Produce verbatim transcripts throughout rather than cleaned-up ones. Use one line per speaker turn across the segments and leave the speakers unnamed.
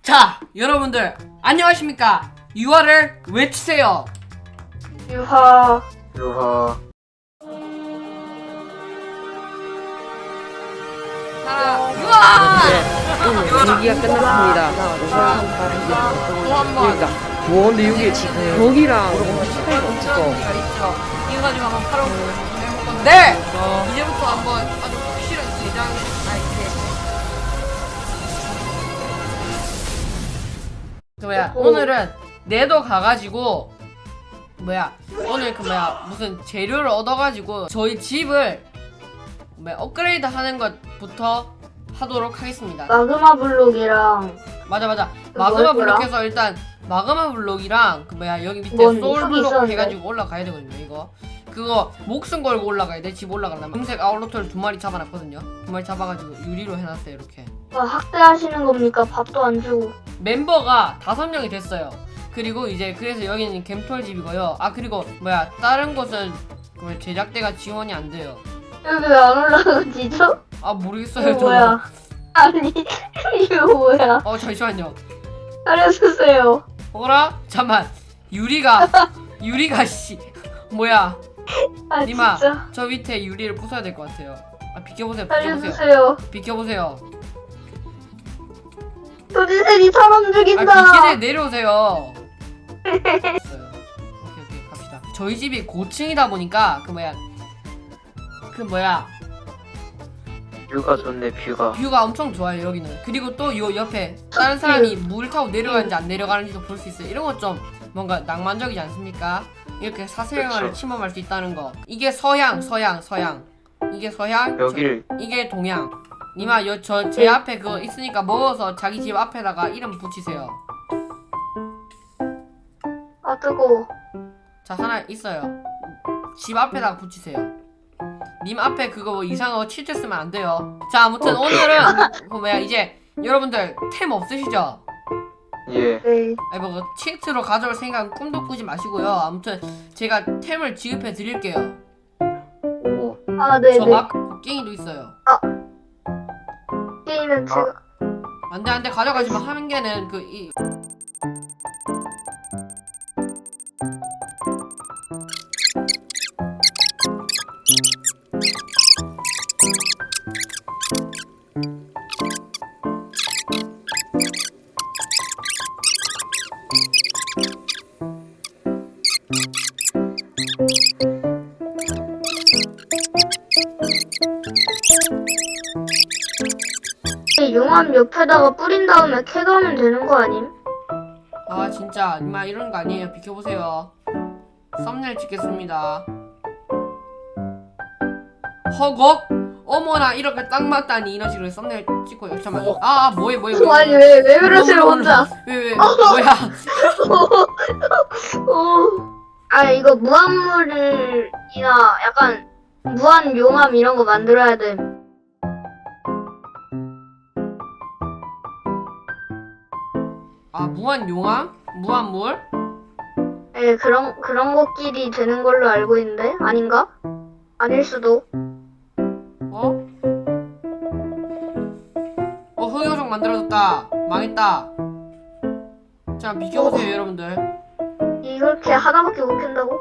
자, 여러분들 안녕하십니까? 유아를 외치세요.
유하.
유하.
자, 유아!
오늘 분위기가 끝났습니다.
또 한번
그러니까 뭐 근데 여기 지금 여기랑 차이가 없어.
있죠. 이거 가지고 한번 팔아 해볼 건데 이제부터 한번 아주 확실한 대장 아이템. 그 뭐야 오늘은 내도 가가지고 뭐야 오늘 그 뭐야 무슨 재료를 얻어가지고 저희 집을 뭐야 업그레이드 하는 것부터 하도록 하겠습니다.
마그마 블록이랑
맞아 맞아
그
마그마
뭐였더라?
블록에서 일단 마그마 블록이랑 그 뭐야 여기 밑에
뭔
소울
흙이
블록
있었는데?
해가지고 올라가야 되거든요. 이거 그거 목숨 걸고 올라가야 돼. 집 올라가려면 금색 아울로터를 두 마리 잡아놨거든요. 두 마리 잡아가지고 유리로 해놨어요. 이렇게
아, 학대하시는 겁니까? 밥도 안 주고.
멤버가 다섯 명이 됐어요. 그리고 이제 그래서 여기는 겜톨 집이고요. 아 그리고 뭐야 다른 곳은 그 제작대가 지원이 안 돼요.
여기 왜 안 올라가지죠?
아 모르겠어요.
이거 뭐야? 아니 이거 뭐야?
어 잠시만요.
알려주세요.
어라? 잠만 유리가 유리가 씨 뭐야?
아
니마
진짜.
저 밑에 유리를 부숴야 될 것 같아요. 아 비켜보세요. 비켜보세요.
알려주세요.
비켜보세요.
도지새이 사람
아
죽인다.
비키네 내려오세요. 됐어요. 오케이 오케이 갑시다. 저희 집이 고층이다 보니까 그 뭐야 그 뭐야
뷰가 좋네, 뷰가.
뷰가 엄청 좋아요 여기는. 그리고 또 요 옆에 다른 사람이 물 타고 내려가는지 안 내려가는지도 볼 수 있어요. 이런 것 좀 뭔가 낭만적이지 않습니까? 이렇게 사생활을
그쵸.
침범할 수 있다는 거. 이게 서양 서양 서양 이게 서양
여길
저, 이게 동양. 니마 여 저 제 앞에 그거 있으니까 먹어서 자기 집 앞에다가 이름 붙이세요.
아 뜨거워.
자 하나 있어요. 집 앞에다가 붙이세요. 님 앞에 그거 뭐 이상한 거 칠때 쓰면 안 돼요. 자 아무튼 오늘은 그 뭐야 이제 여러분들 템 없으시죠?
예.
네.
아니 뭐 치트로 가져올 생각은 꿈도 꾸지 마시고요. 아무튼 제가 템을 지급해 드릴게요.
오.
아 네네.
저 마크 곡괭이도 있어요.
게임은 제가.
안돼 안돼 가져가지 마. 한 개는 그 이
용암 옆에다가 뿌린 다음에 캐가면 되는 거 아님?
아 진짜 이마 이런 거 아니에요. 비켜보세요. 썸네일 찍겠습니다. 허걱 어머나 이렇게 딱 맞다니 이런 식으로 썸네일 찍고 잠깐만. 아, 아 뭐해 뭐해 뭐해.
아니 왜 왜 그러세요 혼자?
왜왜 뭐야?
어. 아 이거 무한물이나 약간 무한 용암 이런 거 만들어야 돼.
아 무한 용암? 무한 물?
예, 그런 그런 것끼리 되는 걸로 알고 있는데 아닌가? 아닐 수도.
어? 어 흑요석 만들어졌다. 망했다. 자 비켜보세요 여러분들.
이렇게 하나밖에 못 캔다고?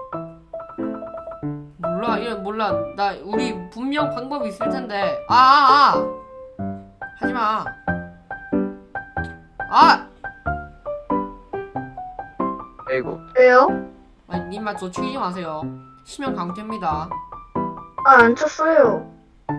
몰라 이런 몰라 나 우리 분명 방법이 있을 텐데. 아아아 아, 아. 하지마. 아!
아이고.
왜요?
아니 님만 저 죽이지 마세요. 심형 강퇴입니다.
아 안 쳤어요.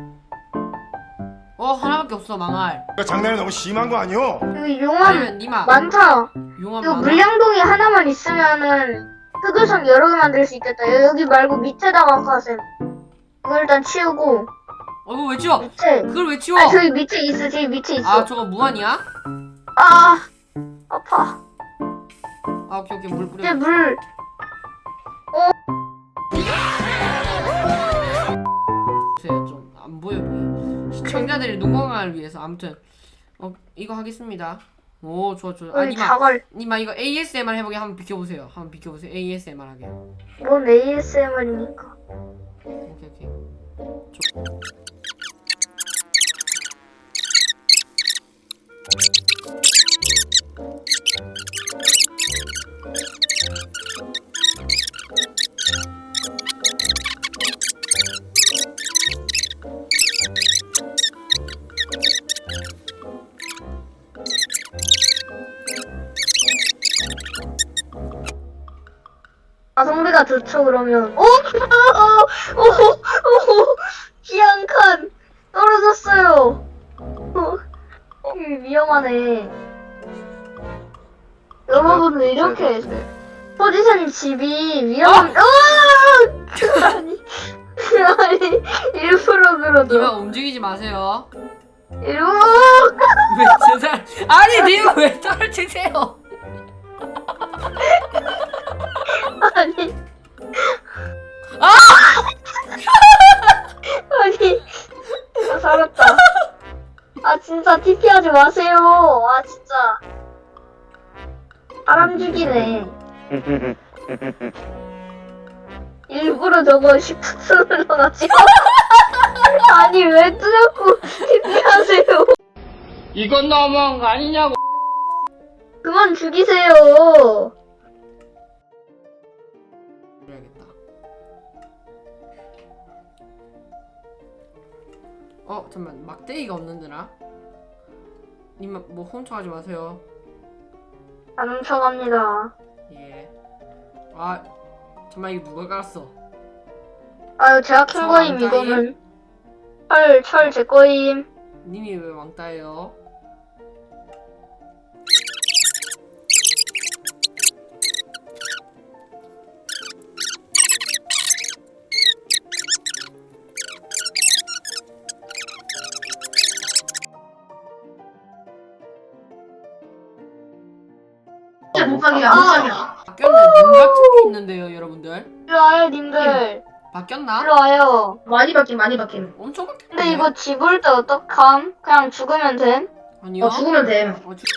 어 하나밖에 없어 망할.
이거 장난이 너무 심한 거 아니오?
여기 용암
아니면 님아
많다.
용암
이거
많아?
물량동이 하나만 있으면은 흑요석 여러 개 만들 수 있겠다. 여기 말고 밑에다가 가셈. 이거 일단 치우고
어 이거 왜 치워?
밑에.
그걸 왜 치워?
아 저기 밑에 있어. 저기 밑에 있어.
아 저거 무한이야?
아 아파.
아 오케이 오케이 물 뿌려.
이제 물.
보세요 좀 안 보여 보여. 시청자들의 눈 건강을 위해서 아무튼 어 이거 하겠습니다. 오 좋아 좋아. 아
여기
님아
자갈.
님아 이거 에이에스엠알 해보게 한번 비켜보세요. 한번 비켜보세요. 에이에스엠알 하게.
뭔 에이에스엠알입니까?
오케이 오케이.
가성비가 좋죠 그러면. 오, 오, 오, 오, 귀한 칸 떨어졌어요. 어, 이 위험하네. 여러분들 이렇게
네.
포지션 집이 위험한. 어! 아니, 아니 일부러
니마
그러죠.
움직이지 마세요.
일부러.
왜 제살? 아니 니마 왜 떨어지세요?
아니.
아!
아니. 아, 살았다. 아 진짜 티피하지 마세요. 아 진짜. 사람 죽이네. 일부러 저거 시프트 눌러놨지. 아니 왜 뚜자꾸 티피하세요.
이건 너무한 거 아니냐고.
그만 죽이세요.
그래야겠다. 어 잠만 막대기가 없는데나? 님 뭐 훔쳐가지 마세요.
안 훔쳐갑니다.
예. 아 잠만 이거 누가 깔았어?
아유 제가 킨
저
거임
왕따임?
이거는. 철, 철 제 거임.
님이 왜 왕따예요?
진짜 못하기야, 못하기야.
바뀌었네. 눈 같은 게 있는데요, 여러분들.
일로 와요 님들.
바뀌었나?
일로 와요.
많이 바뀜, 많이 바뀜.
엄청 바뀌었네.
근데 이거 집을 때 어떡함? 그냥 죽으면 됨?
아니요.
어, 죽으면 됨.
어, 죽...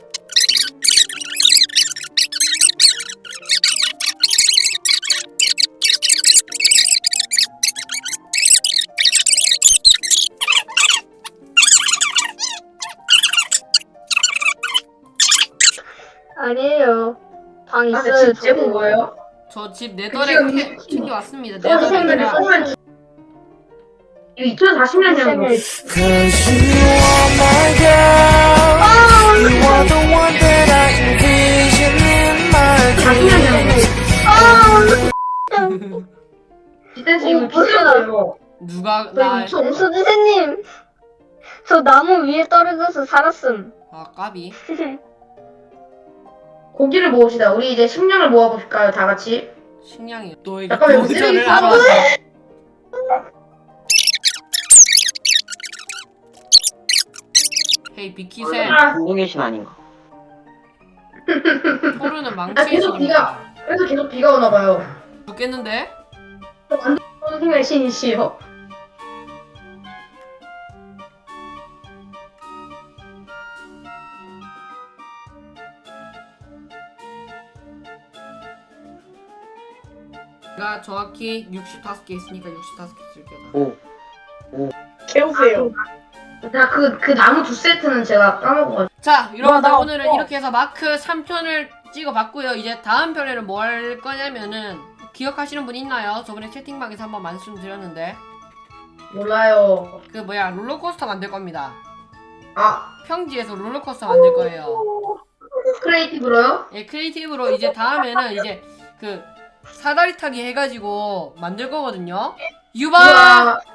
아니에요. 방
아,
있어요.
근데 집
저거.
제목 뭐예요?
저 집 네덜에
지금
캐- 챙겨왔습니다.
선생님,
네덜에
선생님. 이거 이천사십 년이라는 거.
Cause you are my girl. You are the one that I envision in my
사십
dreams.
년이라는 거. 지댄스 이거
오,
비싼
뭐야.
거예요.
누가 나
정수지세님, 저 나무 위에 떨어져서 살았음.
아, 까비.
고기를 모읍시다. 우리 이제 식량을 모아볼까요, 다 같이?
식량이 너에게
잠깐만, 이거
도전을
쓰레기
하러
싸고
왔다. 헤이 비키셈.
아,
공동의신 아닌가?
토르는
아,
망치에서
계속 비가, 그래서 계속 비가 오나 봐요.
죽겠는데?
선생님의 신이시여.
내가 정확히 육십오 개 있으니까 육십오 개 쓸게요.
오.
채우세요. 자, 그, 그 나무 두 세트는 제가 까먹어가지고.
자, 여러분들
나
오늘은
없어.
이렇게 해서 마크 삼 편을 찍어봤고요. 이제 다음 편에는 뭐 할 거냐면은 기억하시는 분 있나요? 저번에 채팅방에서 한번 말씀드렸는데
몰라요.
그 뭐야 롤러코스터 만들 겁니다.
아,
평지에서 롤러코스터 만들 거예요.
크리에이티브로요?
예, 크리에이티브로 이제 다음에는 이제 그 사다리 타기 해가지고 만들 거거든요. 유바!
우와.